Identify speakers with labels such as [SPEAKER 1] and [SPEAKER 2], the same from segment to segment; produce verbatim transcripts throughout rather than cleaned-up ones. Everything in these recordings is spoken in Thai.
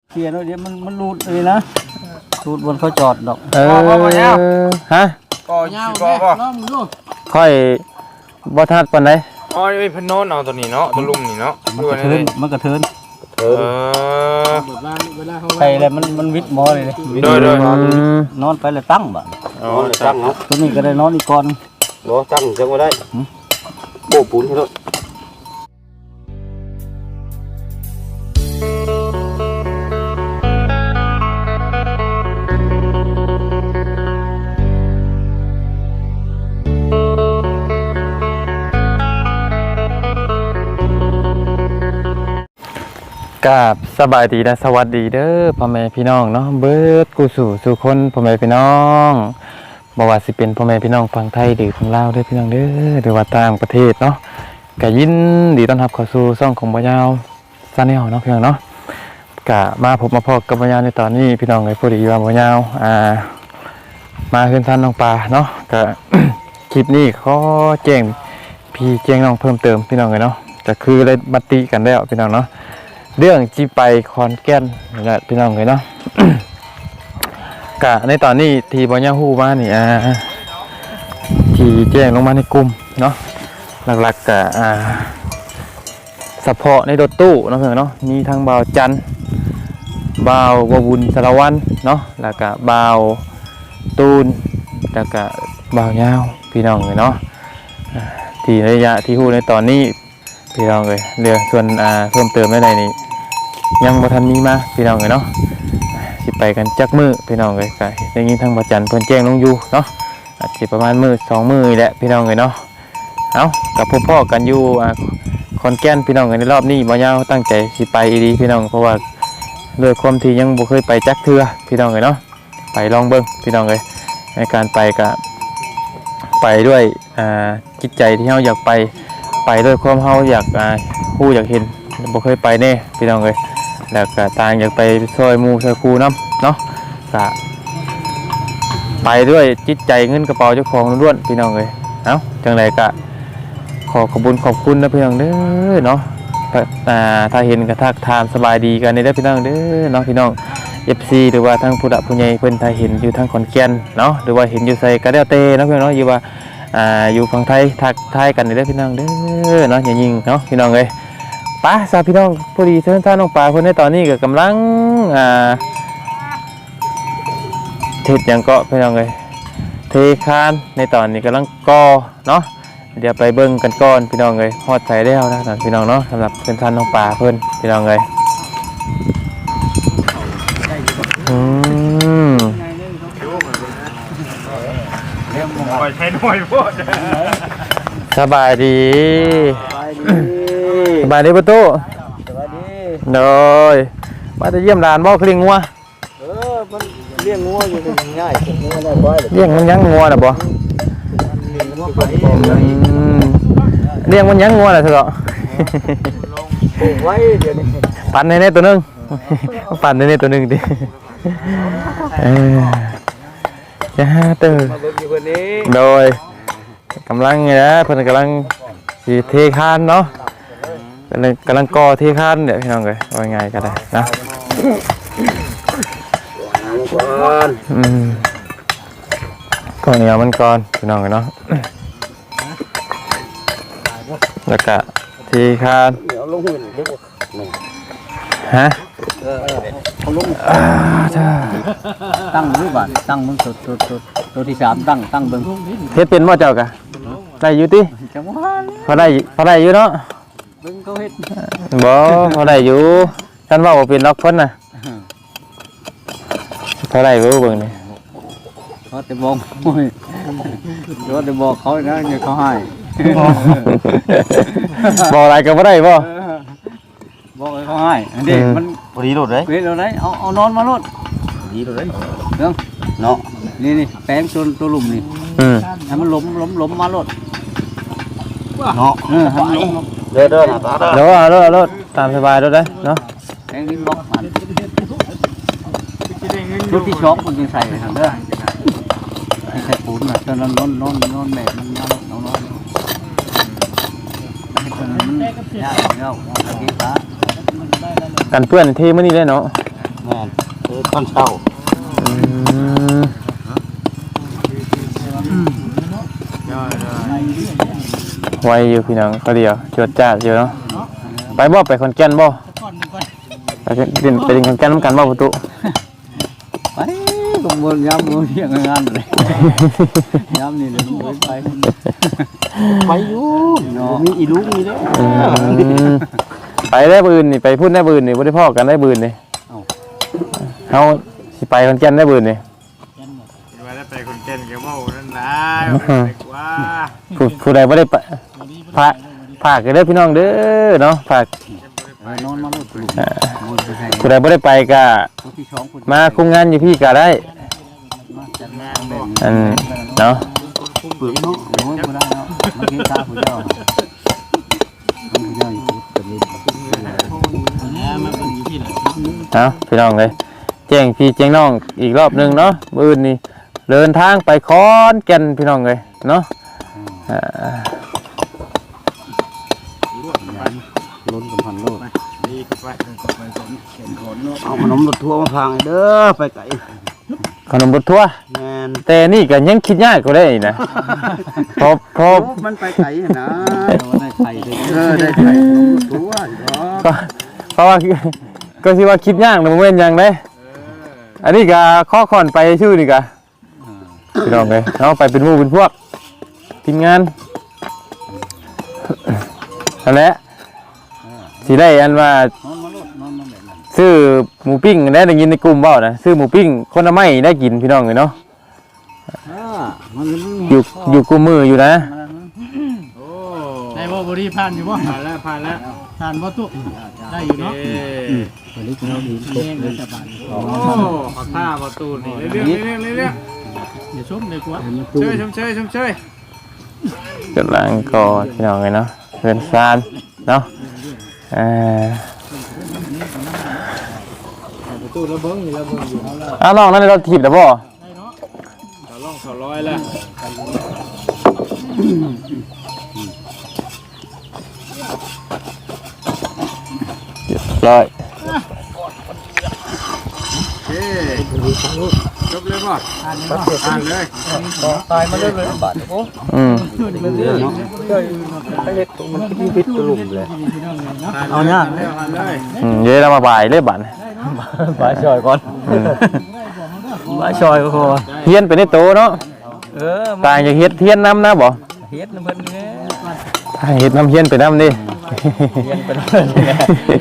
[SPEAKER 1] เคลียร์แล้วเดี๋ยวมันมันรูดเลยนะรูดบนเขาจอดดอก
[SPEAKER 2] เออฮะ
[SPEAKER 3] ก่อยาวบ่บ่
[SPEAKER 2] ค่อยบ่ทัดปานใด
[SPEAKER 3] อ๋อไอ้พนนเอาตัวนี้เนาะตัวลุมนี่เนาะ
[SPEAKER 1] มันกระเทินมันกระเทิน
[SPEAKER 3] เออ
[SPEAKER 1] ใส่อะไรมันมันวิดหมอเลย
[SPEAKER 3] โดยโดย
[SPEAKER 1] นอนไปแล้วตั้งบ่
[SPEAKER 3] อ๋อตั้งเนาะ
[SPEAKER 1] ตัวนี้ก็ได้นอนอีกก่อน
[SPEAKER 3] บ่ตั้งจังบ่ได้โบปูนให้รถ
[SPEAKER 2] กราบสบายดีและสวัสดีเด้อพ่อแม่พี่น้องเนาะเบิดกูสู่สู่คนพ่อแม่พี่น้องบ่ว่าสิเป็นพ่อแม่พี่น้องฝั่งไทยหรือฝั่งลาวเด้อพี่น้องเด้อหรือว่าต่างประเทศเนาะก็ยินดีต้อนรับเข้าสู่ช่องของบ่ยาวซาแนลเนาะพี่น้องเนาะก็มาพบมาพบกับบ่ยาวในตอนนี้พี่น้องเอ้ยพอดีว่าบ่ยาวอ่ามาขึ้นท่านน้องปลาเนาะก็ คลิปนี้ขอแจ้งพี่แจ้งน้องเพิ่มเติมพี่น้องเอ้ยเนาะก็คือได้บัตติกันแล้วพี่น้องเนาะเรื่องจีไปคอนแก่นนี่แหละพี่น้องเลยเนาะ กะในตอนนี้ทีบอลยาฮู้มานี่อ่าทีแจ้งลงมาในกลุ่มเนาะหลักๆกะอ่าเฉพาะในรถตู้เนาะเพื่อนเนาะมีทั้งบ่าวจันบ่าวววุญสารวัตรเนาะแล้วก็บ่าวตูนแล้วก็บ่าวยาวพี่น้องเลยเนาะทีระยะที่ฮู้ในตอนนี้พี่น้องเลยเรื่องส่วนอ่าเพิ่มเติมในในนี้ยังบ่ทันมีมาพี่น้องเลยเนาะสิไปกันจักมือพี่น้องเลยก็ได้ยินทางบ่จันเพิ่นแจ้งลงอยู่เนาะอาจสิประมาณมื้อสองมื้อนี่แหละพี่น้องเลยเนาะเอ้ากับพ่อๆกันอยู่อ่าขอนแก่นพี่น้องเลยในรอบนี้บ่ยาวตั้งใจสิไปอีดีพี่น้องเพราะว่าด้วยความที่ยังบ่เคยไปจักเทื่อพี่น้องเลยเนาะไปลองเบิ่งพี่น้องเลยในการไปก็ไปด้วยอ่าจิตใจที่เฮาอยากไปไปด้วยความเฮาอยากอ่าฮู้อยากเห็นบ่เคยไปแน่พี่น้องเอ้ยแล้วก็ต่างอยากไปซอยหมู่ซอยครูนำเนาะก็ไปด้วยจิตใจเงินกระเป๋าเจ้าของล้วนๆพี่น้องเอ้ยเอ้าจังไดก็ขอขอบคุณขอบคุณนะพี่น้องเด้อเนาะอ่าถ้าเห็นก็ทักทามสบายดีกันนี่เด้อพี่น้องเด้อเนาะพี่น้อง เอฟ ซี หรือว่าทั้งผู้หลักผู้ใหญ่เพิ่นถ้าเห็นอยู่ทางขอนแก่นเนาะหรือว่าเห็นอยู่ไสก็แล้วแต่เนาะพี่น้องเนาะอยู่ว่าอ่าอยู่ฝั่งไทยทักทายกันนี่เด้อพี่น้องเด้อเนาะอย่ายิงเนาะพี่น้องเอ้ยป้าสาวพี่น้องพอดีเชิญท่านน้องปลาเพิ่นในตอนนี้ก็กำลังอ่าเทศหยังก็พี่น้องเอ้ยเทคานในตอนนี้กำลังก่อเนาะเดี๋ยวไปเบิ่งกันก่อนพี่น้องเอ้ยฮอดใจแล้วนะพี่น้องเนาะสำหรับเชิญท่านน้องปลาเพิ่นพี่น้องเอ้ยอืมสบายดีสบายดีประตู
[SPEAKER 1] สวัสดี
[SPEAKER 2] โดยมาจะเยี่ยมร้านบ่คลิงงัว
[SPEAKER 1] เออมันเลี้ยงงัวอยู่ง่ายๆงัวได้บ่
[SPEAKER 2] เลี้ยงมันยังงัวน่ะบ่เลี้ยงมันยังงัวน่ะเถอะ
[SPEAKER 1] ไว้เดี๋ยวนี้
[SPEAKER 2] ปั่นให้แน่ตัวนึงปั่นให้แน่ตัวนึงดิเออจะหาเด้อโดยกำลังไงนะเพิ่นกำลังสิเทคานเนาะกำลังกำลังก่อเทคานเดี๋ยวพี่น้องเอ้ยว่าไงก็ได้นะอืมก่อนเหนียวมันก่อนพี่น้องเนาะแล้วก็เทคานฮะ
[SPEAKER 1] ตั้งมือบาทตั้งมึงตัวตัวตัวตัวที่สามตั้งตั้งเบิ่ง
[SPEAKER 2] เฮ็ดเป็นบ่เจ้ากะได้อยู่ติ
[SPEAKER 1] จังหวะ
[SPEAKER 2] พอได้พอได้อยู่เนาะ
[SPEAKER 1] เบิ่งเขาเฮ็ด
[SPEAKER 2] บ่พอได้อยู่ท่านว่าบ่เป็นล็อกเพิ่นน่ะพอได้บ่เบิ่งนี่
[SPEAKER 1] เขาแต่บอกโอ้ยเขาแต่บอกเขานะอย่าเขาให้
[SPEAKER 2] บ่อะไรก็บ่ได้บ่
[SPEAKER 1] บอกให้เขาให้อันนี้มัน
[SPEAKER 3] พอดีโลดเด้
[SPEAKER 1] เฮ็ดแล้วได้เอาเอานอนมาโลด
[SPEAKER 3] ดีโลดเด้
[SPEAKER 1] เนาะเนาะนี่นี่แป้งตัวตัวหลุมนี่
[SPEAKER 2] อืม
[SPEAKER 1] ให้มันล้มล้มล้มมาโลดเนาะเออให้มันล้ม
[SPEAKER 3] เด้อเด้อตาเด้อ
[SPEAKER 2] เด้อเด้อเด้อตามสบายเด้อเด้อเนาะ
[SPEAKER 1] แป้งนี่บล็อกมันชุดที่ช็อปมันยังใส่เลยเด้อให้ใส่ปูนน่ะตอนนั้นนอนนอนนอนแบบมันนอนนอนนอนให้ตอนนั้นมันยากแล้วเอาตะกี้ฟ้า
[SPEAKER 2] กันเปื้อนเทมื้อนี้เลยเนาะ
[SPEAKER 1] แม่นเออตอนเช้า
[SPEAKER 2] อืมไวอยู่พี่น้องเขาเดียวจวดจ้าดอยู่เนาะไปบ่ไปขอนแก่นบ่ไปเป็นไปขอนแก่นนำกันบ่ประตู
[SPEAKER 1] ไปก็บ่ยามบ่เที่ยงงานเลยยามนี่เลยบ่ไปไปอยู่เนาะมีอีลุงนี่เด้
[SPEAKER 2] อืมไปได้บืนนี่ไปพูดได้บืนนี่บ่ได้พ้อกันได้บืนนี่เฮาสิไปขอนแก่นได้บืนนี่
[SPEAKER 4] ว่าได้ไปคนเก่นกับว่านั่นนะว่า
[SPEAKER 2] ผู้ผู้ใดบ่ได้ไปฝากฝากกันเด้อพี่น้องเด้อเนาะฝาก
[SPEAKER 1] นอนมาลูกลูก
[SPEAKER 2] ผู้ใดบ่ได้ไปก็มาคุมงานอยู่พี่ก็ได้อันเนาะ
[SPEAKER 1] เปลือกเนาะโอ้ยบ่ได้เนาะมันเฮ็ดตาผู้เจ้าผู้เจ้าอยู่กับนี่
[SPEAKER 2] เอาพี่น้องเลยแจ้งพี่แจ้งน้องอีกรอบหนึงเนาะมื้ออื่นนี่เดินทางไปขอนแก่นพี่น้องเลยเนาะอ่า
[SPEAKER 1] ล้นกับพันโลด
[SPEAKER 4] ดีกับไป
[SPEAKER 1] เอาขนมรถทัวร์มาพางให้เด้อไปไกล
[SPEAKER 2] ขนมบดทั่ว
[SPEAKER 1] แม่น
[SPEAKER 2] แต่นี่ก็ยังคิดยากก็ได้อีกนะเพอพอ
[SPEAKER 1] มันไปไกลนะได้ไข่เออได้ไข่ทัวร์เนาะ
[SPEAKER 2] ก็เพราะว่าก็สิว่าคิดยากนะบ่แม่นหยังเด้อันนี้ก็ข้อขอนไปชื่อนี่ก็พี่น้องเลยเนาะไปเป็นหมู่เป็นพวกทีมงานนั่นแหละสิได้อันว่าน
[SPEAKER 1] อนมาโลดนอนมาแบบนั้น
[SPEAKER 2] ซื้อหมูปิ้งได้ได้ยินในกลุ่มเว้านะซื้อหมูปิ้งคนละไม้ได้กินพี่น้องเลยเนาะ
[SPEAKER 1] อ่ามัน
[SPEAKER 2] อยู่อยู่กูมืออยู่นะ
[SPEAKER 4] โอ้
[SPEAKER 5] ได้บ่บ่ดีผ่านอยู่บ่
[SPEAKER 4] ผ่านแล้วผ่านแล้ว
[SPEAKER 5] ผ่านบ่ตุได้อยู่เนาะ
[SPEAKER 1] วันนี้เราดีตกเลย
[SPEAKER 4] โอ้ขอท่าประตูนี่เรื่อยๆเรื่อยๆเรื่อย
[SPEAKER 5] เดี๋ยวชมเลยกว่า
[SPEAKER 4] ๆเชยชมเชยชมเชย
[SPEAKER 2] กำลังกอดพี่น้องเลยเนาะเพื่อนซานเนาะเอ่อ
[SPEAKER 4] ประตูระเบิงอยู่ระเบิงอยู่เอาละ
[SPEAKER 2] อ้าวน้องนั่นเราถีบแต่บ่
[SPEAKER 4] เขาล่องเขาร้อยแล้ว
[SPEAKER 2] เรียบร้อย
[SPEAKER 4] เฮ้จบเลยป่ะอ่านเลยอ่านเลย
[SPEAKER 1] ตายมาเรื่อยๆบาดโอ้
[SPEAKER 2] อืม
[SPEAKER 1] เรื่องเนาะไอ้เล็กมันมีพิษกระลุ่มเลยเอาเนี่ย
[SPEAKER 4] อ่านเลย
[SPEAKER 2] อืมเดี๋ยวเรามาบ่ายเลยบัด
[SPEAKER 1] บายชอยก่อนบายชอยก็พอ
[SPEAKER 2] เฮียนไปในโตเนาะ
[SPEAKER 1] เออ
[SPEAKER 2] ต่างจากเฮ็ดเฮียนน้ำนะบ่
[SPEAKER 1] เฮ็ดน้ำเพิ่นนี่
[SPEAKER 2] เฮ็ดน้ำเฮียนไปน้ำดิ
[SPEAKER 1] เรียนเป็นเพิ่นนี่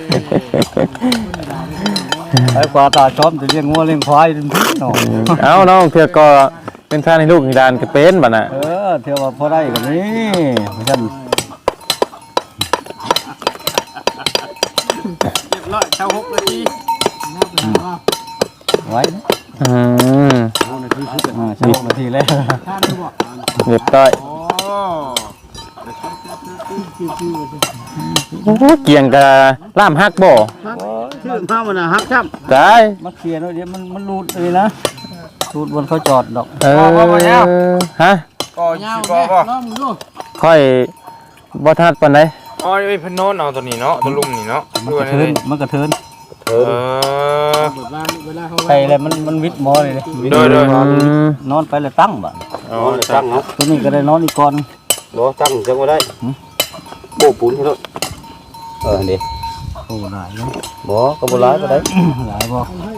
[SPEAKER 1] ไอ้กว่าตาชอบจะเลี้ยงงัวเลี้ยงควายเป็นพี่น้อง
[SPEAKER 2] เอาน้องเถื่อก็เป็นท่านให้ลูกให้ดานก็เป็นบัดน่ะ
[SPEAKER 1] เออเที่ยวว่าพอได้กันนี่ฉัน
[SPEAKER 4] เรียบร้อยเช้าหกนาที
[SPEAKER 1] ไว้
[SPEAKER 2] อืม
[SPEAKER 1] อ่าใช่หกนาทีแล้ว
[SPEAKER 2] เรียบร้อย
[SPEAKER 4] โอ้
[SPEAKER 2] โอ้เกี่ยงกับล่ามฮักบ่
[SPEAKER 1] ชื่อข้าวมันน่ะฮักจ้ำ
[SPEAKER 2] ได้
[SPEAKER 1] มาเคลียร์หน่อยเดี๋ยวมันมันรูดเลยนะรูดบนเขาจอดดอก
[SPEAKER 2] เออฮะ
[SPEAKER 4] ก่อยาวแม่ลองดู
[SPEAKER 2] ค่อยบ่ทัดปานใด
[SPEAKER 4] อ๋อไอ้พนนเอาตัวนี้เนาะตัวลุ่มนี่เนาะ
[SPEAKER 1] มันกระเทินมันกระเทิน
[SPEAKER 4] เออ
[SPEAKER 1] ไปเลยมันมันวิดหมอเลย
[SPEAKER 4] โดยโดย
[SPEAKER 2] อืม
[SPEAKER 1] นอนไปเลยตั้งบ่
[SPEAKER 4] อ๋อตั้งเนาะ
[SPEAKER 1] ตัวนี้ก็ได้นอนอีกก่อน
[SPEAKER 3] บ่ตั้งจังบ่ได้โบปูนให้รถเออนี่
[SPEAKER 1] โอ้หลายเนาะ
[SPEAKER 3] บ่ก็บ่หลายบ่ได้
[SPEAKER 1] หลายบ่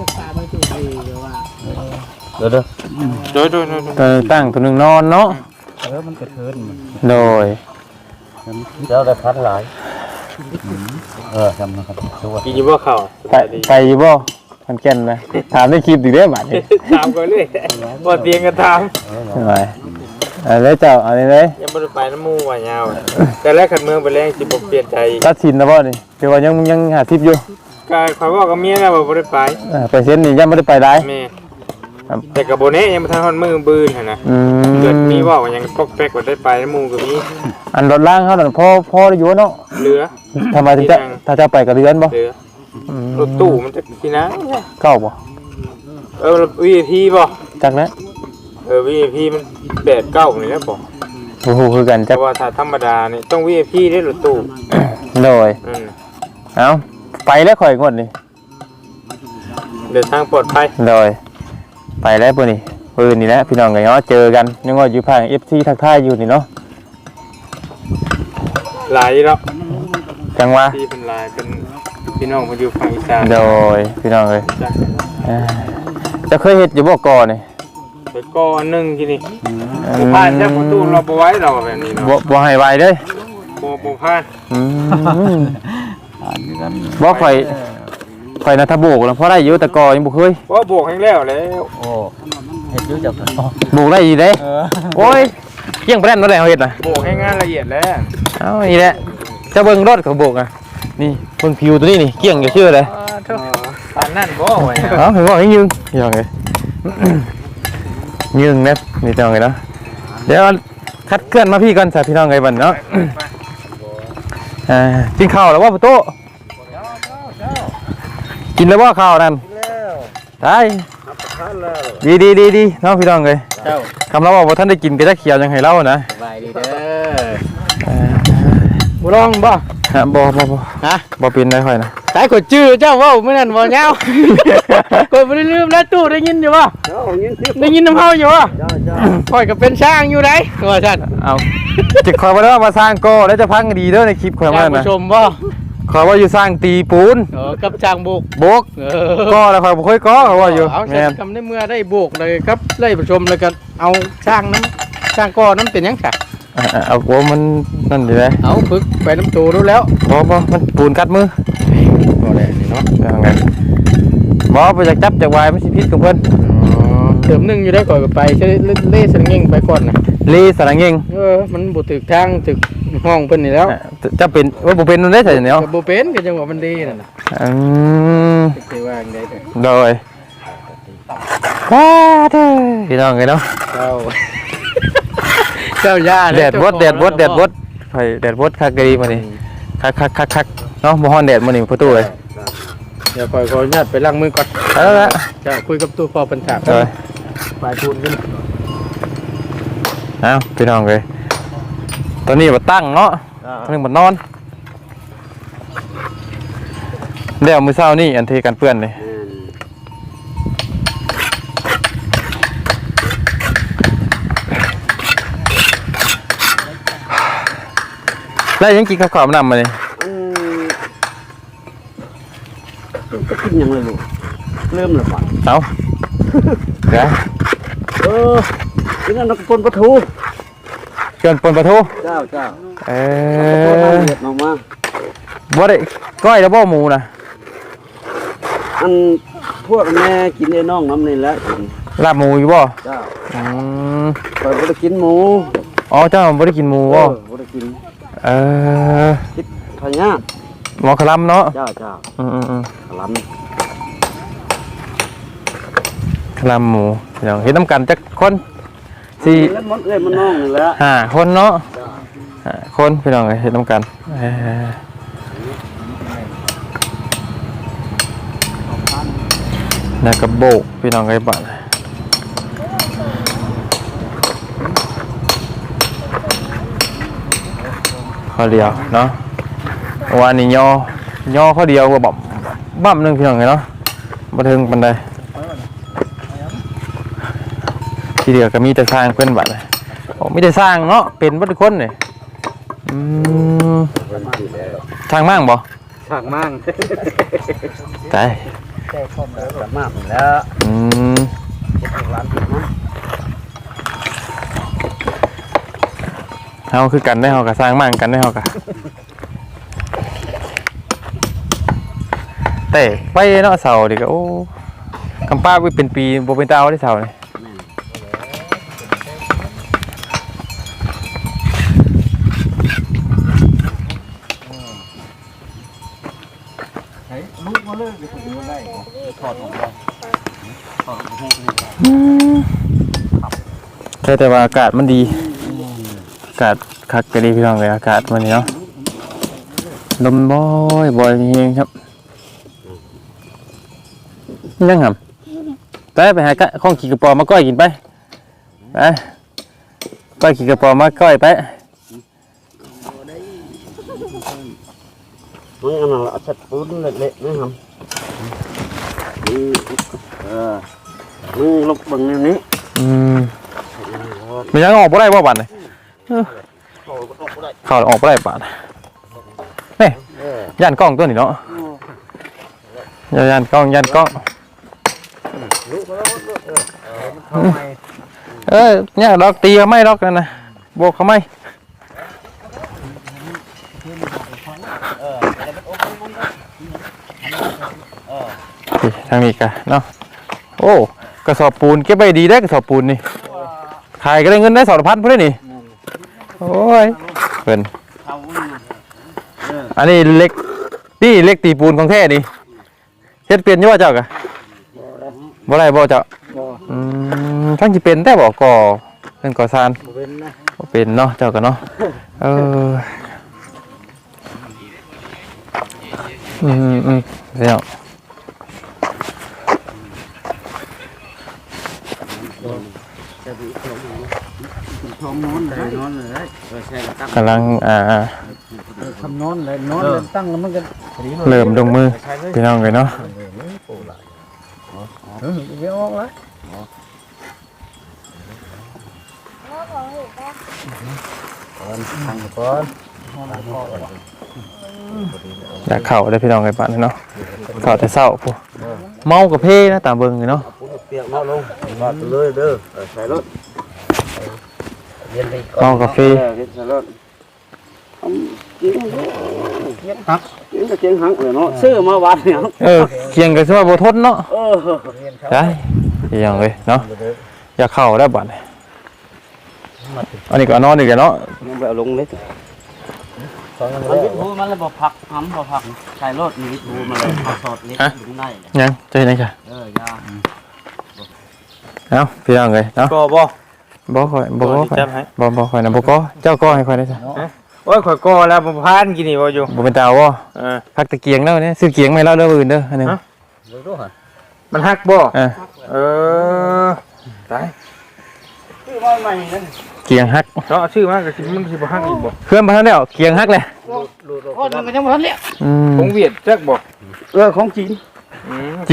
[SPEAKER 3] เด้อเด้อ
[SPEAKER 4] โดยโดยโดย
[SPEAKER 2] ตัวหนึ่งตั้งตัวหนึงนอนเนาะ
[SPEAKER 1] เออมันกระเทินมัน
[SPEAKER 2] โดย
[SPEAKER 3] เจ้าได้พันหลาย
[SPEAKER 1] เออจำนะครับตัว
[SPEAKER 4] กินอยู่บ่ข้าว
[SPEAKER 2] ไปไปอยู่บ่มันแก่นนะถามในคลิปอีกเด้อบัดนี้
[SPEAKER 4] ถามก่อนเลยบ่เตียงกันถาม
[SPEAKER 2] ไปเอาเลยเจ้าเอาเลยเลย
[SPEAKER 4] ยังบ่ได้ไปน้ำหมู่ว่ายาวแต่แรกขันเมืองไปแรงสิบ่เปลี่ยนใจ
[SPEAKER 2] ตัดสินแล้วบ่นี่เดี๋ยวว่ายังยังหาทิปอยู่
[SPEAKER 4] ก็ขอยบอกกับเมียแล้วว่าบ่ได้ไป
[SPEAKER 2] อ่าไปเซ็นนี่ยังบ่ได้ไปได้
[SPEAKER 4] แม่แต่ก็บ่แน่ยังบ่ทันฮอดมือบื้นหั่นน่ะ
[SPEAKER 2] อืม
[SPEAKER 4] เกิดมีเว้าว่ายังปอกแป๊กว่าได้ไปน้ำหมู่ก็มี
[SPEAKER 2] อันรถล่างเขานั่นพอพอได้อยู่เนาะ
[SPEAKER 4] เหลือ
[SPEAKER 2] ทำไมถึงจะถ้าจะไปกับเรือนบ่
[SPEAKER 4] เหลือ
[SPEAKER 2] อืม
[SPEAKER 4] รถตู้มันจะที่นะ
[SPEAKER 2] เก้าบ่
[SPEAKER 4] เออ วี ไอ พี บ่
[SPEAKER 2] จักแล้ว
[SPEAKER 4] เออ วี ไอ พี มันแปด เก้านี่แหละบ่
[SPEAKER 2] โอ้โหคือกัน
[SPEAKER 4] แต่
[SPEAKER 2] จัก
[SPEAKER 4] ว่าถ้าธรรมดานี่ต้อง วี ไอ พี ได้รถตู้
[SPEAKER 2] โดย
[SPEAKER 4] อืม
[SPEAKER 2] เอ้าไปแล้วข่อยงวดนี่
[SPEAKER 3] เดินทางปลอดภัย
[SPEAKER 2] เลยไปแล้วปุ่นนี่ปืนนี่แหละพี่น้องไงเนาะเจอกันยังว่าอยู่ภาคเอฟซีทักทายอยู่นี่เนาะ
[SPEAKER 3] หลายแล้ว
[SPEAKER 2] จังหวะ
[SPEAKER 3] ที่เป็นหลายเป็นพี่น้องมาอยู่ฝั่งอีสาน
[SPEAKER 2] โดยพี่น้องเลย
[SPEAKER 3] จ้ะ
[SPEAKER 2] เอ้ยจะเคยเห็ดอยู่บ่ก่อนนี่
[SPEAKER 3] ไปก่อนหนึงที่นี่บ่ผ่านแค่ประตูเราบ่ไว้เราแบบนี้เนาะ
[SPEAKER 2] บ่บ่ให้ไวเด้อ
[SPEAKER 3] บ่บ่ผ่าน
[SPEAKER 2] อืม
[SPEAKER 1] อ่านกัน
[SPEAKER 2] บ่ข่อยข่อยนะถ้าโบกแล้วพอได้อยู่แต่ก่อยังบ่เคย
[SPEAKER 3] บ่โบกให้แล้วแล้ว
[SPEAKER 1] โอ้เฮ็ดอยู่จักกัน
[SPEAKER 2] โบกได้อีเด้
[SPEAKER 1] เออ
[SPEAKER 2] โอ้ยเกี่ยงไปแล้วนั่นแหละเฮาเฮ็ดน่ะ
[SPEAKER 3] โบกให้งานละเอียดแล้ว
[SPEAKER 2] เอ้านี่แหละเจะเบิ่งรถเขาโบกอ่ะนี่เบิ่งผิวตัวนี้นี่เกี่ยงอยู่ชื่อเลย
[SPEAKER 3] ปานนั่นบ่ไว้
[SPEAKER 2] เอ้าเห็นบ่ให้ยืงอย่างไง ยืงนะนี่จังไงเนาะเดี๋ยวคัดเคลื่อนมาพี่ก่อนจ้ะพี่น้องไงบัดเนาะอ่ากินข้าวแล้วว่าประตูกินแล้วว่าข้าวนั่นได้ดีดีดีดีเนาะพี่น้องเลย
[SPEAKER 1] เจ้า
[SPEAKER 2] คำเราว่าท่านได้กินก็จะเขียวยังให้เล่านะ
[SPEAKER 1] สบายดีเด้อ
[SPEAKER 5] บ่ลองบ่
[SPEAKER 2] ฮะบ่บ่บ่
[SPEAKER 5] ฮะ
[SPEAKER 2] บ่เป็นได้ค่อยนะ
[SPEAKER 5] สายกดชื่อเจ้าเว้ามื้อนั้นบ่ยาวกดบ่ได้ลืมแล้วตู้ได้ยินอยู่บ่ได้ยินน้ำเฮาอยู่บ่ข่อยก็เป็นช่างอยู่ไดว่าซั่น
[SPEAKER 2] เอาจิคอยว่ามาสร้างโก้แล้วจะพังดีเด้อในคลิปข่อยว่า
[SPEAKER 5] ท่าน
[SPEAKER 2] นะ
[SPEAKER 5] ผู้ชมบ่
[SPEAKER 2] ขอยว่าอยู่สร้างตีปูน
[SPEAKER 5] เออกับช่างโบก
[SPEAKER 2] โบก
[SPEAKER 5] เออ
[SPEAKER 2] ก็แล้วข่อยบ่ค่อยก็เขาว่าอยู่
[SPEAKER 5] เอา
[SPEAKER 2] แม่น
[SPEAKER 5] คำในเมื่อได้โบกเลยครับไล่ผู้ชมแล้วก็เอาช่างน้ำช่างก้อน้ำเป็นหยังค่ะ
[SPEAKER 2] อ่ะเอาโอ้มันนั่นดีเลย
[SPEAKER 5] เอาฝึกไปน้ำตูรู้แล้ว
[SPEAKER 2] บ่บ่มันปูนกัดมือ
[SPEAKER 5] ก็ได้นี่เนาะ
[SPEAKER 2] ยังไงบ่ไปจากจับจากวายมันสิพิษกับเพิ่น
[SPEAKER 5] เติมหนึงอยู่ได้ก่อนก็ไปใช้เล่สลิงเง่งไปก่อนนะ
[SPEAKER 2] ลีสระเงง
[SPEAKER 5] เออมันบ่ถึกทางถึกห้องเพิ่นนี่แล้ว
[SPEAKER 2] อ่ะจะเป็นว่าบ่เป็นนั่นได้ใช่เนาะ
[SPEAKER 5] ก็บ่เป็นก็จังว่ามันดีนั่นน่ะ
[SPEAKER 2] อืม
[SPEAKER 5] สิว่าจังได๋เด้อ
[SPEAKER 2] โดยว้าเด้อพี่น้องไงเนาะ
[SPEAKER 5] เจ้า เจ้าย่า
[SPEAKER 2] แดดบดแดดบดแดดบดไผแดดบดคักดีมานี่คักคักคักคักเนาะบ่ฮ้อนแดดมานี่ประตูเลย
[SPEAKER 5] เดี๋ยวคอยขออนุญาตไปล้างมือก่อน
[SPEAKER 2] เอาละ
[SPEAKER 5] เจ้าคุยกับตู้พอเพิ่นถาม
[SPEAKER 2] โดย
[SPEAKER 5] ไปพูนกัน
[SPEAKER 2] เอ้าพี่น้องเลยตอนนี้บ่ตั้งเนาะตอนนี้บ่นอนแล้วมื้อเช้านี่อันเทกันเปื้อนนี่แล้วยังกินข้าวขาวมันนำมานี่
[SPEAKER 1] ก็กินยังเลยลูกเริ่มแล้วป่ะ
[SPEAKER 2] เอาเดี๋ยว
[SPEAKER 1] เออกินอันนั้นก็ปนปลาทู
[SPEAKER 2] เกินปนปลาทู
[SPEAKER 1] เจ้าเจ้า
[SPEAKER 2] เอ
[SPEAKER 1] ตัว
[SPEAKER 2] อ
[SPEAKER 1] น้ำเห็ดออกมา
[SPEAKER 2] บ่ได้ก้อยแล้วบ่หมูนะ
[SPEAKER 1] อันพวกแม่กินไอ้น้องน้ำนี่แหละกิน
[SPEAKER 2] ลาบหมูอยู่บ่
[SPEAKER 1] เจ้า
[SPEAKER 2] อืม
[SPEAKER 1] คอยบ่ได้กินหมู
[SPEAKER 2] อ๋อเจ้าบ่ได้กินหมู
[SPEAKER 1] เอ
[SPEAKER 2] บ่
[SPEAKER 1] อบ่ได้กิน
[SPEAKER 2] เออ
[SPEAKER 1] คิดพญา
[SPEAKER 2] หมอคลำเนาะ
[SPEAKER 1] เจ้าเจ้า
[SPEAKER 2] อืมอืมอืม
[SPEAKER 1] ขลัน
[SPEAKER 2] คลำหมูเดี๋ยวเฮ็ดน้ำกันจักคนสี่
[SPEAKER 1] แล้วมันเอ้ยมันน้องนี่แหละ
[SPEAKER 2] ห้าคนเนาะห้าคนพี่น้องเอ้ยเฮ็ดน้ำกันเออแล้วก็โบกพี่น้องไอ้บ้านข้อเดียวเนาะวันนี้ย่อย่อข้อเดียวก็บ่บ่ำหนึงพี่น้องเอ้ยเนาะบ่ถึงปานใดทีเดียวก็มีแต่สร้างเพิ่นบัดเลยโอ้มีแต่สร้างเนาะเป็นเบ่ทุกคนนี่อืมทางมั่งบ่
[SPEAKER 1] ช่างมั่ง
[SPEAKER 2] ตาย
[SPEAKER 1] สามารถแล้ว
[SPEAKER 2] อืมเฮาคือกันได้เฮาก็สร้างมั่งกันได้เฮาก็แต่ไปเนาะเสาดิก็โอ้กำป้าไปเป็นปีบ่เป็นตาเอาได้เสานี่
[SPEAKER 1] ลูกมาเลยเดี๋ยวผมดูได้ถอดออกมาถอดออกมา
[SPEAKER 2] ใช่แต่ว่าอากาศมันดีอากาศคักก็ดีพี่น้องเลยอากาศมันนี่เนาะลมบ่อยบ่อยเองครับยังครับไปไปหาข้องขี่กระป๋อมาก้อยกินไปไปก้อยขี่กระป๋อมาก้อยไป
[SPEAKER 1] มันอันนั้นเอาชัดปูนเละๆนะครับ
[SPEAKER 3] เออมือลบเบิ่งอันนี้
[SPEAKER 2] อืมมันยังออกบ่ได้บ่บัดนี่เข้าออกบ่ได้บาดนี่ย่านกล้องตัวนี้เนาะย่านกล้องย่านกล้องเออเนี่ยดอกตีเขาไม่ดอกกันนะบวกเขาไม่ทางนี้กันเนาะโอ้กระสอบปูนเก็บไปดีได้กระสอบปูนนี่ขายก็ได้เงินได้สองพันเพื่อนนี่โอ้ยเพิ่นอันนี้เล็กนี่เล็กตีปูนของแท้นี่เฮ็ดเปลี่ยนอยู่ว่าเจ้ากะบ่ได้บ่เจ้าอืมทั้งสิเป็นแต่บ่ก่อเป็นก่อซานบ่เป็นเนาะเจ้าก็เนาะเอออืมอืมเดี๋ยวกำลังอ่า
[SPEAKER 1] ทำนอนเลยนอนเลยตั้งแล้วมันก็
[SPEAKER 2] เริ่มลงมือพี่น้องเลยเนาะ
[SPEAKER 1] เออไม่ออกแล้ว
[SPEAKER 2] อยากเข่าได้พี่น้องไอ้บ้านเนาะเข่าแต่เศร้าปุ๊เมากับเพ่นะตามเบิ่งเนาะ
[SPEAKER 3] เปียกเนาะลงวาดเลยเด้อใส่รถ
[SPEAKER 2] เมากาแฟ
[SPEAKER 3] ใส่รถกินหักกินก็เจียงหักเลยเนาะซื้อมาวัดเนี่ย
[SPEAKER 2] เออเคียงกันซะว่าบ่ทนเนาะ
[SPEAKER 3] เออ
[SPEAKER 2] ได้อย่างเลยเนาะอยากเข่าได้บ้านอันนี้ก็นอนอีกแล้วเนาะ
[SPEAKER 3] ยังไปเอาลงเลยมันวิทูมันเลยบ่ผักหำบ่ผักใส่รถมีวิทูมันเลยเอาสอดเล็กอยู่ใน
[SPEAKER 2] ยังใจไหนจ้ะ
[SPEAKER 3] เออยา
[SPEAKER 2] เนาะพี่น้องเลยเนาะ
[SPEAKER 4] ก็บ่
[SPEAKER 2] บ่ค่อยบ่บ่ค่อยบ่บ่ค่อยนะบ่ก็เจ้าก็ให้ค่อยได้จ้ะ
[SPEAKER 4] โอ้ยข่อยก็แล้วบ่พานกินนี่บ่อยู่
[SPEAKER 2] บ่เป็นตาบ่
[SPEAKER 4] เออ
[SPEAKER 2] พักตะเกียงแล้วเนี่ยซื้อเกียงไม่แล้วเด้ออื่นเด้ออันนึง
[SPEAKER 4] มันฮักบ่
[SPEAKER 2] เออ
[SPEAKER 4] เออตาย
[SPEAKER 3] ซื้อมาใหม่นั่น
[SPEAKER 2] เกียงฮัก
[SPEAKER 4] เนาะชื่อมาก็สิมันสิบ่ฮักอีกบ่
[SPEAKER 2] เครื่องมาแล้วเกียงฮักเลย
[SPEAKER 3] โอ้มันก็ยังบ่ทันแล้ว
[SPEAKER 2] อืม
[SPEAKER 4] คงเวียดจักบ่
[SPEAKER 3] เออของจีน
[SPEAKER 4] อืม
[SPEAKER 2] จี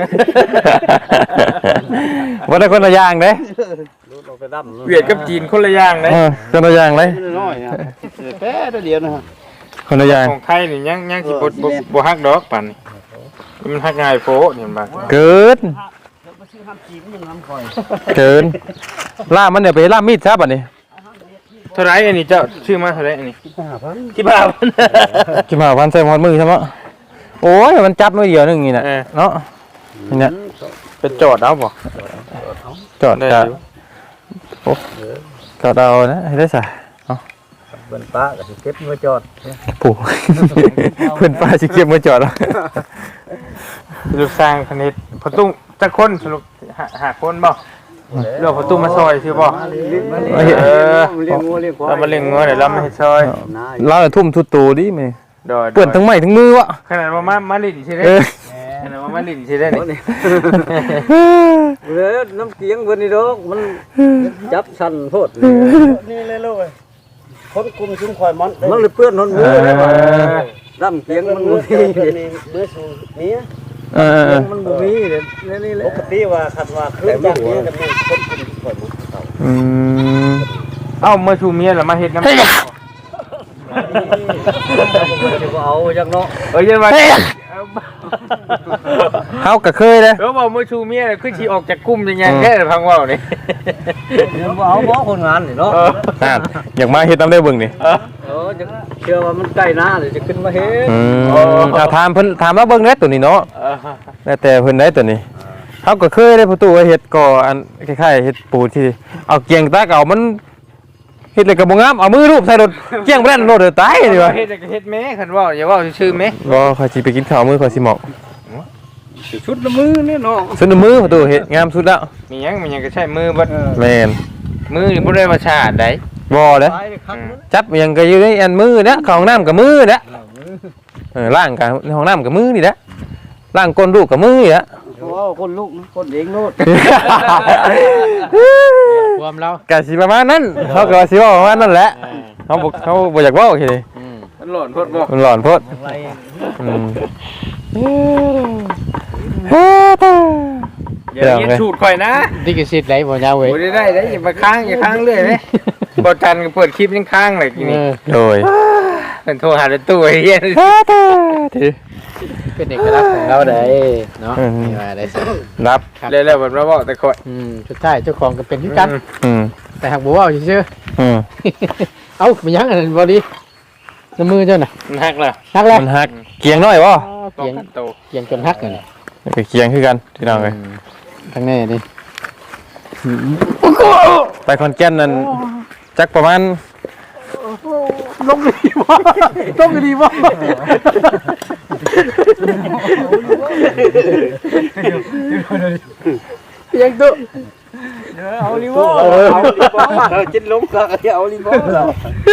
[SPEAKER 2] ว่าได้คนละอย่างเด้
[SPEAKER 4] เวียดกับจีนคนละอย่างเด้
[SPEAKER 2] เออคนละอย่างเลย
[SPEAKER 3] น้อยนะแป๊ะเดียวนะฮะ
[SPEAKER 2] คนละอย่าง
[SPEAKER 4] ของไทยนี่ยังยังสิบ่บ่บ่ฮักดอกปานนี้มันฮักง่ายโพนี่มันบ่
[SPEAKER 2] เกิน
[SPEAKER 3] มาซื้อน้ำจีนมันน้ำคอย
[SPEAKER 2] เกินล่ามันเนี่ยไปล่ามีดซะบัดนี้
[SPEAKER 4] เท่าไหร่อันนี้เจ้าชื่อมาเท่าไหร่อันนี้
[SPEAKER 3] ห้าพัน
[SPEAKER 4] กี่บาท
[SPEAKER 2] กินมาวันใส่หมอนมือใช่ไหมโอ้ยมันจับมือเดียวนึงนี่น่ะเนาะนี่เนี่ย
[SPEAKER 4] ไปจอดเอาบ่
[SPEAKER 2] จอดจะโอ้จอดเอานะให้ได้ซะเนาะ
[SPEAKER 3] เปิ้นป้าก็สิเก็บมาจอด
[SPEAKER 2] ปู่เพิ่นป้าสิเก็บมาจอดแล้ว
[SPEAKER 4] ลูกสร้างคณิตพอตุ้งจักคนสรุปหาหาคนบ่เรื่องพอตุ้งมาซอยซื่อบ่เออ
[SPEAKER 3] เลี้ยงงัวเลี้ยงควาย
[SPEAKER 4] เรามาเล่งงัวเดี๋ยวเรามาเฮ็ดซอย
[SPEAKER 2] เราน่ะทุ่มทุกตัวดิแม่
[SPEAKER 4] ดอย
[SPEAKER 2] เปื้อนทั้งไม้ทั้งมือวะ
[SPEAKER 4] ขนาดว่ามามาลิ้นสิได้
[SPEAKER 2] เออ
[SPEAKER 4] ขนาดว่ามาลิ้นสิได้นี่
[SPEAKER 3] เด้อน้ำเกียงเพิ่นนี่ดอกมันจับสั่นโพดนี่เลยลูกเอ้ยคนกลุ่มชุมข่อยมันมันเลยเปื้อนหนมือเลยว่าน้ำเกียงมันบ่มีเมื่อสู่นี้
[SPEAKER 2] เออเออ
[SPEAKER 3] มันบ่มีเด้นี่แหละปกติว่าคันว่าคืนจากนี้ก็มีคนกลุ่มชุมข่อยมันเขา
[SPEAKER 2] อืม
[SPEAKER 4] เอ้ามาชูเมียแล้วมาเฮ็ดน้ำ
[SPEAKER 3] เอาจังเนาะ
[SPEAKER 4] เอ้ยยันว่า
[SPEAKER 2] เฮาก็เคยเลย
[SPEAKER 4] เออบอกมาชูเมียคือสิออกจากกลุ่มยังไงแค่พังเว้านี่
[SPEAKER 3] บ่เอาบ่คนงานนี่เนาะ
[SPEAKER 2] นั่นอยากมาเฮ็ดน้ำได้เบิ่งนี่
[SPEAKER 3] เออจะเชื่อว่ามันใกล้หน้าเลยจะขึ้นมาเฮ็ด
[SPEAKER 2] อืมเอาถามเพิ่นถามว่าเบิ่งได้ตัวนี้เนาะแล้วแต่เพิ่นได้ตัวนี้เฮาก็เคยได้ประตูว่าเฮ็ดก่ออันคล้ายๆเฮ็ดปูที่เอาเกียงตาเก่ามันเฮ็ดเลยก็บ่งามเอามือรูปใส่รถเกียงบ่ได้รถเด้อตายนี่วะ
[SPEAKER 4] เฮ็ดก็เฮ็ดแม่คันเว้าอย่าเว้าชื่อแม่
[SPEAKER 2] บ่ค่อยสิไปกินข้าวมื้อค่อยสิหมอก
[SPEAKER 3] ชุดละมือนี่เนาะ
[SPEAKER 2] สุดมือประตูเฮ็ดงามสุดแล้ว
[SPEAKER 4] มีหยังมีหยังก็ใช้มือบัด
[SPEAKER 2] แม่น
[SPEAKER 4] มือนี่บ่ได้มาชาดได้
[SPEAKER 2] บ่เด้อ
[SPEAKER 3] ตายคัก
[SPEAKER 2] จับอิหยังก็อยู่ในอันมือเด้อเข้าห้องน้ำกับมือเด้อเออล้างกันในห้องน้ำกับมือนี่เด้อล้างก้นลูกกับมือนี่เด้อ
[SPEAKER 3] โอ้คนลูกคนเองโลด
[SPEAKER 4] ความเรา
[SPEAKER 2] กะสิประมาณนั้นเขาก็ว่าสิเว้าประมาณนั้นแหละเขาบ่เขาบ่อยากเว้าแค่นี้
[SPEAKER 4] มันหล่นพดบ่
[SPEAKER 2] มันหลอนโพดอืม
[SPEAKER 4] อย่าเรียนสูตรข่อยนะ
[SPEAKER 5] ดิกิสิทธิ์ไหนบ่ยาวเว้ย
[SPEAKER 4] โอ้ได้ได้ได้อย่ามาค้างอย่าค้างเรื่อยเลยบอจันก็เปิดคลิปยังค้างเลยที
[SPEAKER 5] เอ
[SPEAKER 4] นี้
[SPEAKER 5] อ
[SPEAKER 2] โดย
[SPEAKER 4] เป็นโทรหาตู้ไอ้เหี้ย
[SPEAKER 5] เป็นเอกลักษณ์ของเราได้เนาะนี่ว่าได้สิ
[SPEAKER 2] รับ
[SPEAKER 4] เร็วๆแบบเราบอกแต่ข่อย
[SPEAKER 5] อืมสุดท้ายเจ้าของก็เป็นคือกัน
[SPEAKER 2] อืม
[SPEAKER 5] แต่หากบ่เว้าซื่อ
[SPEAKER 2] อืม
[SPEAKER 5] ๆเอ้ามันยังอันนั้นบ่ดีน้ำมือเจ้าน่ะ
[SPEAKER 4] มันหักแล้ว
[SPEAKER 5] ฮักแล้ว
[SPEAKER 2] มันหักเกียงน้อยบ่
[SPEAKER 5] เกียง
[SPEAKER 4] โต
[SPEAKER 5] เกียงจนฮักนั่นน่ะ
[SPEAKER 2] ไปเกียงคือกันพี่น้องเอ้ย
[SPEAKER 5] ทางนี้นี่
[SPEAKER 2] ไปคอนแก่นนั่นจักประมาณ
[SPEAKER 5] ลงดีบ่ลงดีบ่ยังตุ
[SPEAKER 3] เอาลิโม่เอาลิโม่เออจิตล้มก็เอาลิโม่แล้ว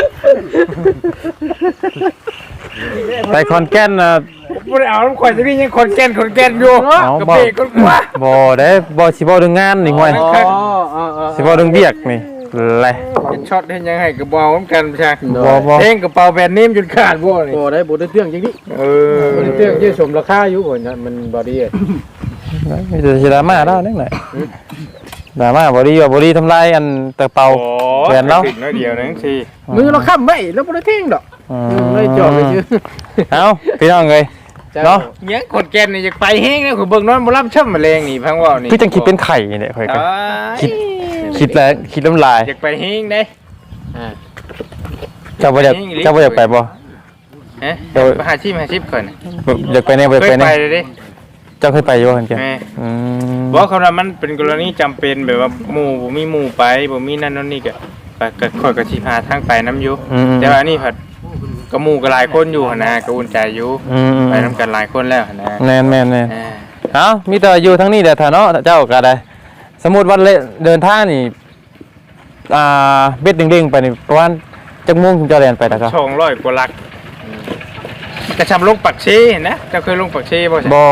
[SPEAKER 2] ไปคอนแก่นน่ะ
[SPEAKER 4] บ่ได้เอาน้ำข่อยจะนี่ยังคนแก่นคนแก่นอยู่
[SPEAKER 2] เอา
[SPEAKER 4] กระ
[SPEAKER 2] บ่
[SPEAKER 4] เปกคนกลัว
[SPEAKER 2] บ่ได้บ่สิบ่เรื่องงานนี่ห่วย
[SPEAKER 5] อ๋ออ๋อ
[SPEAKER 2] สิบ่เรื่องเวียกนี่แหละ
[SPEAKER 4] เห็นช็อตเห็นยังไงกระเป๋าเหมือนกันใช่
[SPEAKER 2] บ่บ่
[SPEAKER 4] เพลงกระเป๋าแบรนด์เนมจนขาดบ่นี่
[SPEAKER 5] บ่ได้บ่ได้เรื่องจังนี้
[SPEAKER 4] เออ
[SPEAKER 5] บ่ได้เรื่องยืดสมราคาอยู่บ่เนี่ยมันบ่ดี
[SPEAKER 2] มีแต่สิดราม่าแล้วนิดหน่อยดราม่าบ่ดีว่าบ่ดีทำลายอันตะเปา แบรนด์เนาะ
[SPEAKER 4] ติดน้อยเดียวนึงสิ
[SPEAKER 5] มือเราค้ำไว้แล้วบ่ได้เท่งดอก
[SPEAKER 2] อื
[SPEAKER 5] เลยจอดไปชื่อ
[SPEAKER 2] เอ้าพี่น้องเอ้ย เนาะ
[SPEAKER 4] ยังคนแก่นนี่อยากไปแห้งนะคือเบิ่งนอนบ่รับช่ำแมลงนี่พังว่านี่
[SPEAKER 2] คือจังคิดเป็นไข่เนี่ยค่อยก็
[SPEAKER 4] อ้าย
[SPEAKER 2] คิด คิดแล้วคิดน้ำลาย
[SPEAKER 4] อยากไปแห้งเด้
[SPEAKER 5] อ่า
[SPEAKER 2] เจ้าบ่อยาก
[SPEAKER 4] จริงหรือ
[SPEAKER 2] เจ้าบ่อยากไปบ่
[SPEAKER 4] ฮะ
[SPEAKER 2] เดี๋ยว
[SPEAKER 4] ไปหาชีพหาชีพก่อน
[SPEAKER 2] อยากไปแน่บ่อยาก
[SPEAKER 4] เค
[SPEAKER 2] ไป
[SPEAKER 4] ย
[SPEAKER 2] แน่
[SPEAKER 4] ไปเลยดิ
[SPEAKER 2] เจ้าเคยไปอยู่บ่กันแก
[SPEAKER 4] แม่
[SPEAKER 2] อืม
[SPEAKER 4] บอกคำว่ามันเป็นกรณีจำเป็นแบบว่าหมู่บ่มีหมู่ไปบ่มีนั่นนั่นนี่ก็ไปก็ค่อยก็สิพาทางไปน้ำอยู่
[SPEAKER 2] อืม
[SPEAKER 4] แต่ว่าอันนี่ผัดก็หมู่ก็หลายคนอยู่หั่นนะก็อุ่นใจอยู่
[SPEAKER 2] อืม
[SPEAKER 4] ไปนํกันหลายคนแล้วหั่นนะ
[SPEAKER 2] แม่นแม่นแม่น
[SPEAKER 4] อ่า
[SPEAKER 2] เอ้ามีแต่อยู่ทั้งนี้แหละถ้าเนาะเจ้าก็ได้ สมมุติว่าเลเดินทางนี่อ่าเบ็ดเด้งๆไปนี่ประมาณจักโมงถึงจะแล่นไปนะครับ
[SPEAKER 4] สองร้อยกว่าหลักกระชับลงปักเชนะเจ้าเคยลงปักเชบ่ใช่
[SPEAKER 2] บ่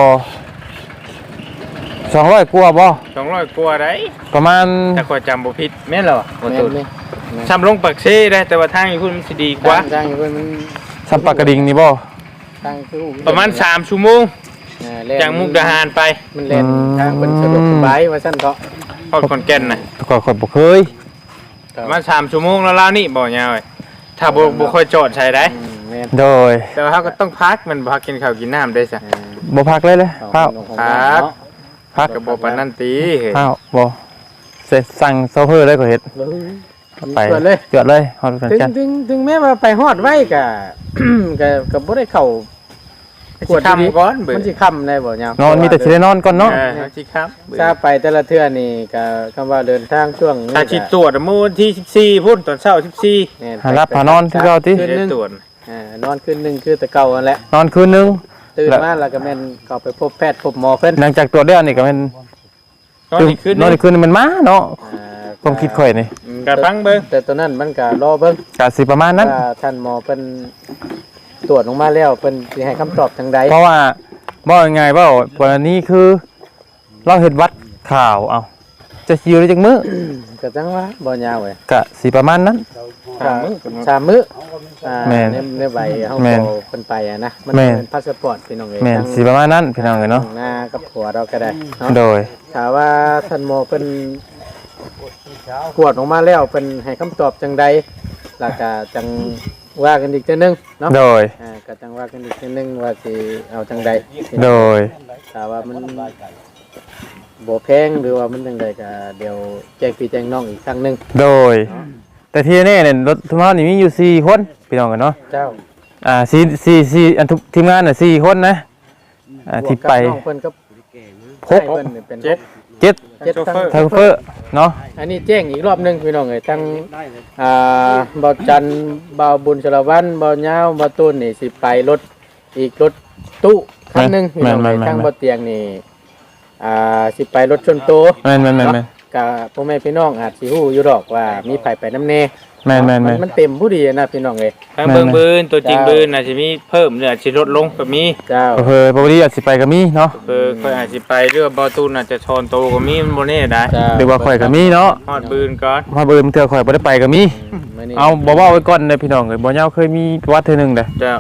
[SPEAKER 2] สองร้อยกว่าบ่
[SPEAKER 4] สองร้อยกว่าได้
[SPEAKER 2] ประมาณ
[SPEAKER 4] ถ้าข้อยจำบ่ผิดแม่นเหรอ
[SPEAKER 5] แม่นไหม
[SPEAKER 4] ชำลงปักเชได้แต่ว่าทางอยู่พุ่นมันสิดีกว่า
[SPEAKER 5] ทางอยู่เพิ่นมัน
[SPEAKER 2] สัมปากระดิ่งนี่บ่
[SPEAKER 5] ทางคือ
[SPEAKER 4] ประมาณสามชั่วโมง
[SPEAKER 5] อ่แล่น
[SPEAKER 4] จากมุกดาหารไป
[SPEAKER 5] มันเล่นทางเพิ่นสะดวกสบายว่าซั่นเถาะ
[SPEAKER 4] พอดขอนแก่นน่ะ
[SPEAKER 2] แต่ก่อนข่อยบ่เคย
[SPEAKER 4] ประมาณสามชั่วโมงแล้วล่าวนี่บ่ยาวเอ้ยถ้าบ่บ่ค่อยจอดใช้ได้
[SPEAKER 5] อืมแม่น
[SPEAKER 2] โดย
[SPEAKER 4] แต่ว่าเฮาก็ต้องพักมันบ่พักกินข้าวกินน้ำได้ซะ
[SPEAKER 2] บ่พักเลยเลยข้าว
[SPEAKER 4] ครับ
[SPEAKER 2] พัก
[SPEAKER 4] ก็บ่ปานนั้นติเฮ้ย
[SPEAKER 2] ข้าวบ่เสร็จสั่งโซเฟอร์เลยก็เฮ็ดไป
[SPEAKER 5] เกิดเลย
[SPEAKER 2] เกิดเลยฮอดกัน
[SPEAKER 5] ถึง
[SPEAKER 2] กัน
[SPEAKER 5] ถึงถึงแม้ว่าไปฮอดไว้ก็ ก็ก็บ่ได้เข้า
[SPEAKER 4] กวดดีก่อนเบิ่
[SPEAKER 5] มันสิค่ำได้บ่ยาม
[SPEAKER 2] นอนมีแต่สิได้นอนก่อนเนาะ
[SPEAKER 4] เออเอาสิครับ
[SPEAKER 5] ถ้าไปแต่ละเทื่อนี่ก็คำว่าเดินทางช่วงนี้
[SPEAKER 4] ถ้าสิตรวจมื้อวันที่สิบสี่พุ่นตอนเช้าสิบสี่
[SPEAKER 5] แม่น
[SPEAKER 2] หารับหานอนคือเก่าติ
[SPEAKER 5] คืน
[SPEAKER 4] ได้
[SPEAKER 5] หนึง
[SPEAKER 4] ตรวจ
[SPEAKER 5] อ่านอนคืนหนึงคือแต่เก่านั่นแหละ
[SPEAKER 2] นอนคืนนึง
[SPEAKER 5] ตื่น
[SPEAKER 2] แล้ว
[SPEAKER 5] มาแล้วก็แม่นเข้าไปพบแพทย์พบหมอเพิ่น
[SPEAKER 2] หลังจากตรวจแล้วนี่ก็แม่น
[SPEAKER 4] ตอนนี้ขึ้น
[SPEAKER 2] นอนอีกคืนนึงมันมาเนาะ
[SPEAKER 5] อ่า
[SPEAKER 2] ความคิดข่อยนี่
[SPEAKER 5] อืม
[SPEAKER 4] กระพังเบิ่ง
[SPEAKER 5] แต่ตัวนั้นมันก็รอเบิ่ง
[SPEAKER 2] ก็สิประมาณนั้น
[SPEAKER 5] ว่าท่านหมอเพิ่นตรวจออกมาแล้วเพิ่นสิให้คำตอบจังใด
[SPEAKER 2] เพราะว่าบ่ยังไงเว้ากรณีคือ เราเฮ็ดวัดข่าวเอาจะสิอยู่ได้จักมื้อ
[SPEAKER 5] ก็จังว่าบ่ยาวเว้ย
[SPEAKER 2] ก็สิประมาณนั้น
[SPEAKER 5] สามมื้อสามมื้ออ่า
[SPEAKER 2] แม่น
[SPEAKER 5] ในในใบเฮา
[SPEAKER 2] แม่น
[SPEAKER 5] ขอเพิ่นไปอะนะมัน
[SPEAKER 2] แม่น
[SPEAKER 5] เป็นพาสปอร์ตพี่น้องเอ้ย
[SPEAKER 2] แม่น
[SPEAKER 5] ทั้ง
[SPEAKER 2] สิประมาณนั้นพี่น้องเอ้ยเนาะ
[SPEAKER 5] หน้ากับผัวเราก็ได้เนาะ
[SPEAKER 2] โดย
[SPEAKER 5] ถ้าว่าท่านหมอเป็นกวดออกมาแล้วเป็นให้คำตอบจังใดแล้วก็จังว่ากันอีกเทื่อนึงเนาะ
[SPEAKER 2] โดย
[SPEAKER 5] อ่าก็จังว่ากันอีกเทื่อนึงว่าสิเอาจังใด
[SPEAKER 2] โดย
[SPEAKER 5] ถ้าว่ามันบ่แพงหรือว่ามันจังใดก็เดี๋ยวแจ้งพี่แจ้งน้องอีกครั้งหนึง
[SPEAKER 2] โดย แต่ที่แน่เนี่ยรถทุกท่านนี่มีอยู่สี่คนพี่น้องกันเนาะ
[SPEAKER 5] เจ้า
[SPEAKER 2] อ่าสี่สี่สี่อันทุกทีมงานน่ะสี่คนนะอ่าที่ไป
[SPEAKER 5] บวกกับน้องเพิ่นก็
[SPEAKER 2] หก
[SPEAKER 5] ให้เพิ่นนี่เป็น
[SPEAKER 4] เจ็ด
[SPEAKER 2] เจ็ด
[SPEAKER 5] เจ็ดทั้ง
[SPEAKER 2] ทางเฟอร์เนาะ
[SPEAKER 5] อันนี้แจ้งอีกรอบหนึงพี่น้องเอ้ยทั้งอ่าบ่าวจันทร์บ่าวบุญชลวันบ่าวยาวบ่าวตูนนี่สิไปรถอีกรถตู้คันหนึงพี่น้องเอ้ยทั้งบ่าวเตียงนี่อ่าสิไปรถชนโต
[SPEAKER 2] แม่นแม่นแม่นแม่น
[SPEAKER 5] กะพ่อแม่พี่น้องอาจสิฮู้อยู่ดอกว่ามีไผไปน้ำแน่
[SPEAKER 2] แม่นแม่น
[SPEAKER 5] มั
[SPEAKER 2] แม่
[SPEAKER 5] น
[SPEAKER 2] น
[SPEAKER 5] มันเต็มผู้ดีนะพี่น้องเอ้ย
[SPEAKER 4] ทางเบิ่งบืนตัวจริงบืนอาจจะมีเพิ่มหรืออาจจะลดลงก็มี
[SPEAKER 5] เจ้า
[SPEAKER 2] เพิ่นปกติอาจสิไปก็มีเนาะ
[SPEAKER 4] เออค่อยอาจจะไปเรื่องบอตูนอาจจะชอนโตก็มีมันบ่แน่ได้
[SPEAKER 5] เจ้า
[SPEAKER 2] หรือว่าข่อยก็มีเนาะ
[SPEAKER 4] ฮอดบืนก่อน
[SPEAKER 2] พอเบิ่มเทื่อข่อยบ่ได้ไปก็มี
[SPEAKER 5] มื้อนี้
[SPEAKER 2] เอาบ่เว้าไว้ก่อนเด้อพี่น้องเอ้ยบ่ยาวเคยมีประวัติเทื่อหนึงเด้อ
[SPEAKER 4] เจ้า
[SPEAKER 2] เอ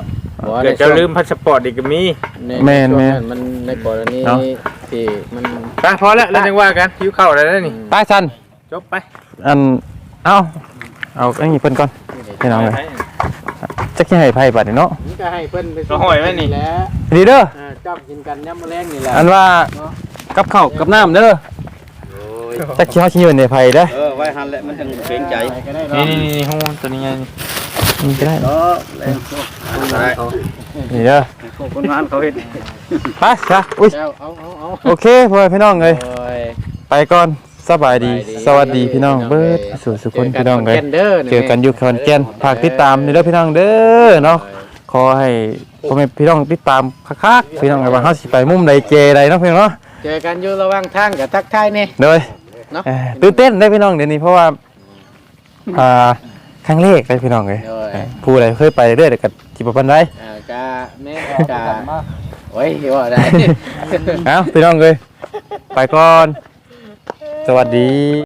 [SPEAKER 4] เกิดจะลืมพาสปอร์ตอีกก็มี
[SPEAKER 5] แม่นแม่นมันในกรณีที่มัน
[SPEAKER 4] ไปพอแล้วเราจังว่ากันหิวข้าวแล้วนี่
[SPEAKER 2] ตาชัน
[SPEAKER 4] จบไป
[SPEAKER 2] อันเอาเอาอันนี้เพิ่นก่อนพี่น้องเลยจักสิให้ไผบัดนี่เนาะ
[SPEAKER 5] นี่ก็ให้เพิ่นไป
[SPEAKER 4] เราห้อยไว้นี่
[SPEAKER 5] แหละ
[SPEAKER 2] ดีเด้อ
[SPEAKER 5] อ่าจับกินกันยามมื้อแลงนี่แหละ
[SPEAKER 2] อันว่ากับข้าวกับน้ำเด้อจักสิเฮาสิยืนในไผเด้อ
[SPEAKER 3] เออไว้หันแหละมันจังเกรงใจ
[SPEAKER 5] ก็ได้เนาะ
[SPEAKER 4] นี่นี่นี่ฮู้ตัวนี้ไงนี่
[SPEAKER 2] นี่ก็ได้
[SPEAKER 3] เออแล้วได้
[SPEAKER 2] นี่เด้อ
[SPEAKER 3] คนงานเขาเฮ็ด
[SPEAKER 2] ไปจ้ะอุ้ย
[SPEAKER 5] เอาเอาเอาเอา
[SPEAKER 2] โอเคพ่อแม่พี่น้องเอ้ย
[SPEAKER 5] โอ้ย
[SPEAKER 2] ไปก่อนสบายดีสวัสดีพี่น้องเบิดสู่สุขคนพี่น้องเอ้ย เจอกันอยู่ขอนแก่นฝากติดตามนี่เด้อพี่น้องเด้อเนาะขอให้พ่อแม่พี่น้องติดตามคักๆพี่น้องว่าเฮาสิไปมุมใดเจใดเนาะพี่น้องเนาะ
[SPEAKER 5] เจอกันอยู่ระหว่างทางกับทักทายนี่
[SPEAKER 2] เด้อ
[SPEAKER 5] เนาะ
[SPEAKER 2] เอ่อตื่นเต้นได้อพี่น้องเดี๋ยวนี้เพราะว่าอ่าครั้งแรกได้อพี่น้องเอ้ย
[SPEAKER 5] โอ้ย
[SPEAKER 2] เอ่อผู้ใดเคยไปเรื่อยแต่ก็สิบ่ปานใด
[SPEAKER 5] อ่ากะแม่กะโอ้ยว่าได้
[SPEAKER 2] เอ้าพี่น้องเอ้ยไปก่อนสวัสดี